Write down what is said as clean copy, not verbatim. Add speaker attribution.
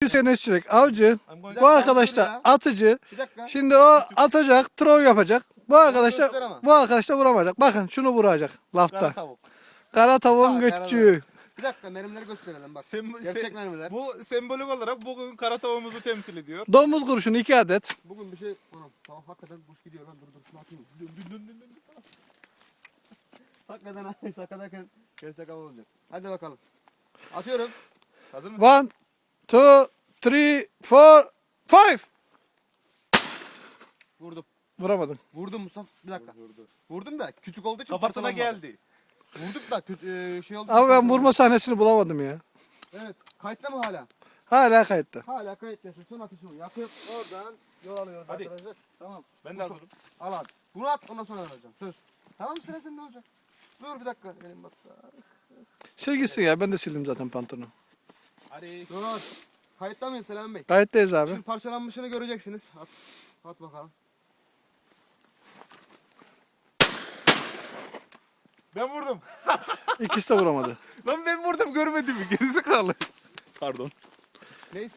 Speaker 1: Sevgili Sayın Özçelik, avcı. Bu arkadaş da
Speaker 2: ya.
Speaker 1: atıcı.
Speaker 2: Bir dakika.
Speaker 1: Şimdi o atacak, throw yapacak.
Speaker 2: göster ama.
Speaker 1: Bu arkadaş da vuramayacak. Bakın şunu vuracak lafta.
Speaker 3: Kara tavuk.
Speaker 1: Kara tavuğun
Speaker 2: Ha,
Speaker 1: göççüğü.
Speaker 2: Bir dakika mermileri gösterelim bak.
Speaker 3: Sem-
Speaker 2: Gerçek
Speaker 3: se-
Speaker 2: mermiler.
Speaker 3: Bu sembolik olarak bugün kara tavuğumuzu temsil ediyor.
Speaker 1: Domuz kurşunu 2 adet.
Speaker 2: Bugün bir şey... Anam tamam hakikaten kuş gidiyor lan dur şunu atayım. Dün. Hakikaten şakadayken gerçek hava olacak. Hadi bakalım. Atıyorum.
Speaker 3: Hazır mısın?
Speaker 1: 1, 2, 3, 4, 5.
Speaker 2: Vurdum.
Speaker 1: Vuramadın.
Speaker 2: Vurdum Mustafa. Bir dakika. Vurdum da küçük olduğu için
Speaker 3: Kafasına
Speaker 2: parçalanmadı.
Speaker 3: geldi.
Speaker 2: Vurduk da şey oldu.
Speaker 1: Ama ben vurma sahnesini bulamadım ya.
Speaker 2: Evet. Kayıtta mı hala?
Speaker 1: Hala kayıtta.
Speaker 2: Hala kayıttasın. Son atışımı yakıp oradan yol alıyoruz
Speaker 3: Hadi.
Speaker 2: arkadaşlar. Tamam.
Speaker 3: Ben de hazırım.
Speaker 2: Al abi. Bunu at ondan sonra alacağım. Söz. Tamam mı sıra sende olacak. Dur bir dakika. Elim bak.
Speaker 1: Sil gitsin ya, ben de sildim zaten pantolonu.
Speaker 3: Hadi.
Speaker 2: Dur. Kayıtta mıyız Selam Bey?
Speaker 1: Kayıttayız abi.
Speaker 2: Şimdi parçalanmışını göreceksiniz. At. At bakalım.
Speaker 3: Ben vurdum.
Speaker 1: İkisi de vuramadı.
Speaker 3: Lan ben vurdum görmedin mi? Gerizekalı. Pardon.
Speaker 2: Neyse.